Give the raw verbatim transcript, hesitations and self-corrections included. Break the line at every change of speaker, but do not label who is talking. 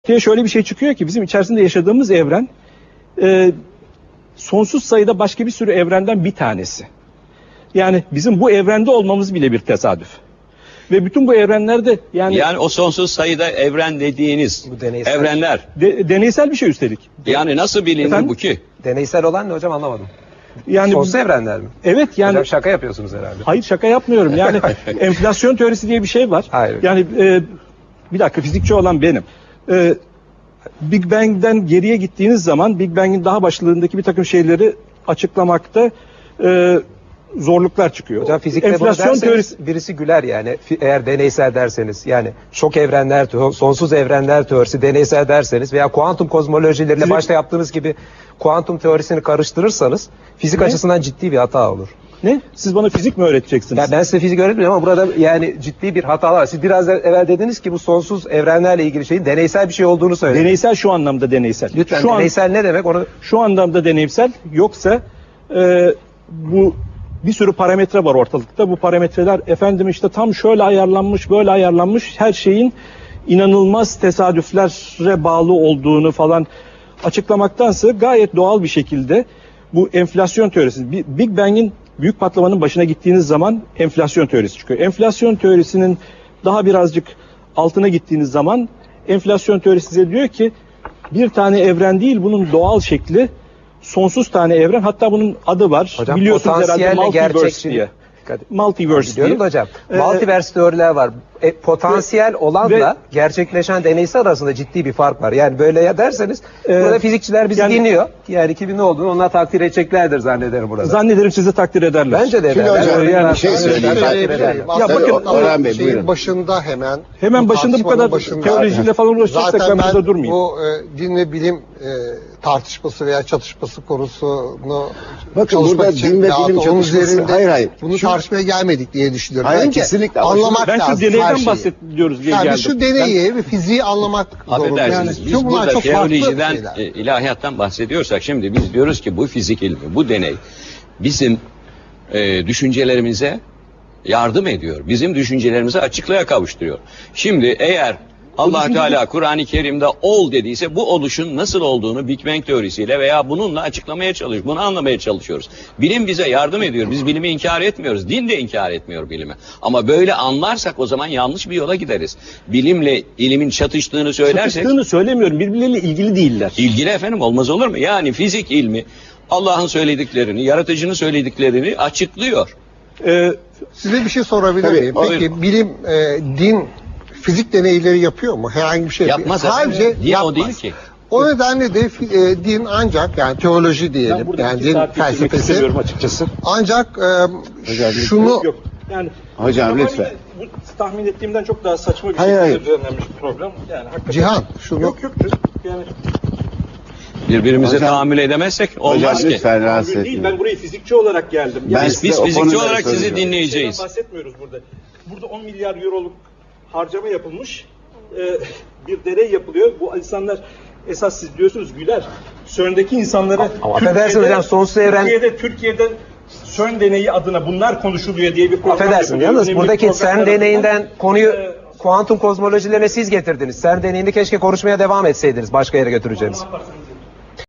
ortaya şöyle bir şey çıkıyor ki bizim içerisinde yaşadığımız evren e, sonsuz sayıda başka bir sürü evrenden bir tanesi. Yani bizim bu evrende olmamız bile bir tesadüf. Ve bütün bu evrenlerde yani...
Yani o sonsuz sayıda evren dediğiniz
Bu deneysel.
evrenler.
De, deneysel bir şey üstelik.
Yani nasıl bilinir
Efendim?
bu ki?
Deneysel olan ne hocam, anlamadım.
Yani
Sonsuz
bu-
evrenler mi?
Evet yani...
Hocam şaka yapıyorsunuz herhalde.
Hayır, şaka yapmıyorum. Yani enflasyon teorisi diye bir şey var.
Hayır.
Yani e, bir dakika, fizikçi olan benim. E, Big Bang'den geriye gittiğiniz zaman Big Bang'in daha başlarındaki bir takım şeyleri açıklamakta e, zorluklar çıkıyor.
Hocam fizikte bunu
enflasyon
derseniz
teorisi
birisi güler yani. Fi- Eğer deneysel derseniz, yani şok evrenler, teo- sonsuz evrenler teorisi deneysel derseniz veya kuantum kozmolojileriyle
Fizik-
başta yaptığınız gibi kuantum teorisini karıştırırsanız fizik
Ne?
açısından ciddi bir hata olur.
ne? Siz bana fizik mi öğreteceksiniz?
Ya ben size fizik öğretmiyorum ama burada yani ciddi bir hata var. Siz biraz evvel dediniz ki bu sonsuz evrenlerle ilgili şeyin deneysel bir şey olduğunu söylediniz.
Deneysel şu anlamda deneysel.
Lütfen
şu an-
deneysel ne demek onu...
Şu anlamda deneysel, yoksa e, bu bir sürü parametre var ortalıkta. Bu parametreler efendim işte tam şöyle ayarlanmış, böyle ayarlanmış, her şeyin inanılmaz tesadüflere bağlı olduğunu falan açıklamaktansa gayet doğal bir şekilde bu enflasyon teorisi, Bi- Big Bang'in büyük patlamanın başına gittiğiniz zaman enflasyon teorisi çıkıyor. Enflasyon teorisinin daha birazcık altına gittiğiniz zaman enflasyon teorisi size diyor ki bir tane evren değil, bunun doğal şekli sonsuz tane evren. Hatta bunun adı var.
Hocam
Biliyorsunuz herhalde,
potansiyelle
multiverse
gerçekçi...
diye.
Dikkat-
Multiverse diye.
Biliyorum da hocam.
Ee,
Multiverse teoriler var. E, potansiyel olanla
ve-
gerçekleşen deneysel arasında ciddi bir fark var. Yani böyle ya derseniz
Ee,
burada fizikçiler bizi
yani-
dinliyor. Yani kimin ne olduğunu onlar takdir edeceklerdir zannederim burada.
Zannederim sizi takdir ederler.
Bence de
Şimdi
ederler.
hocam,
Yani
bir şey
takdir
söyleyeyim.
ederler,
Ben-
takdir ederler.
Ya bakın,
Orhan Bey,
şeyin
buyurun.
başında hemen
Hemen başında bu
tartışmanın
kadar
başında-
teolojiyle falan uğraşacaksak
Zaten
ben burada
ben
durmayayım.
bu e, din ve bilim e, tartışması veya çatışması konusunu
Bakın
çalışmak
burada
için
din ve
veyahut
bilim
onun
çatışması-
üzerinde
hayır, hayır.
bunu
Şu-
tartışmaya gelmedik diye düşünüyorum.
Hayır,
Önce
kesinlikle. Ama
anlamak
Ben şu
lazım her
deneyden
şeyi.
bahsediyoruz diye
Yani
geldim.
biz şu deneyi ve fiziği anlamak zorundayız.
Affedersiniz, biz
Çünkü bunlar
burada
çok farklı
teolojiden,
şeyler.
e, ilahiyattan bahsediyorsak şimdi biz diyoruz ki bu fizik ilmi, bu deney bizim e, düşüncelerimize yardım ediyor. Bizim düşüncelerimizi açıklığa kavuşturuyor. Şimdi eğer Allah
düşünce-
Teala Kur'an-ı Kerim'de ol dediyse bu oluşun nasıl olduğunu Big Bang teorisiyle veya bununla açıklamaya çalışıyoruz. Bunu anlamaya çalışıyoruz. Bilim bize yardım ediyor. Biz bilimi inkar etmiyoruz. Din de inkar etmiyor bilimi. Ama böyle anlarsak o zaman yanlış bir yola gideriz. Bilimle ilimin çatıştığını söylersek
Çatıştığını söylemiyorum. Birbirleriyle ilgili değiller.
ilgili efendim, olmaz olur mu? Yani fizik ilmi Allah'ın söylediklerini, yaratıcının söylediklerini açıklıyor.
Ee,
Size bir şey sorabilir
Tabii,
miyim?
buyurun.
Peki bilim, e, din fizik deneyleri yapıyor mu? Herhangi bir şey
Yapmaz
yapıyor.
efendim.
Sadece
Din o
yapmaz.
değil ki.
O nedenle de fi- e, din ancak, yani teoloji
ben
diyelim,
burada
yani
iki
din
saat geçirmek
felsefesi
istemiyorum açıkçası.
ancak e,
Hocam,
şunu
Yok, yok. Yani
Hocam,
ama
lütfen.
Bu tahmin ettiğimden çok daha saçma bir
Hayır,
şekilde
hayır.
düzenlenmiş bir program. Yani hakikaten.
Cihan, şunu
Yok yok. Yani
Birbirimize
Hocam-
tahammül edemezsek olmaz
Hocam
ki.
lütfen rahatsız
tahammül değil.
etmeyin.
Ben buraya fizikçi olarak geldim.
Ben
Yani
Biz, biz
size o
fizikçi
konuları
olarak sizi
soruyorum.
dinleyeceğiz.
şeyden bahsetmiyoruz burada. Burada on milyar euroluk harcama yapılmış. Ee, bir deney yapılıyor. Bu insanlar esas siz diyorsunuz güler. CERN'deki insanlara
Ama affedersin hocam, sonsuz evren-
Türkiye'de Türkiye'de CERN deneyi adına bunlar konuşuluyor diye bir program
Affedersin
yapılıyor.
yalnız
Önemli
buradaki
programlar
CERN deneyinden
arasında.
konuyu
Ee,
kuantum kozmolojilerine siz getirdiniz. CERN deneyinde keşke konuşmaya devam etseydiniz, başka yere götüreceğiniz.
ne yaparsınız?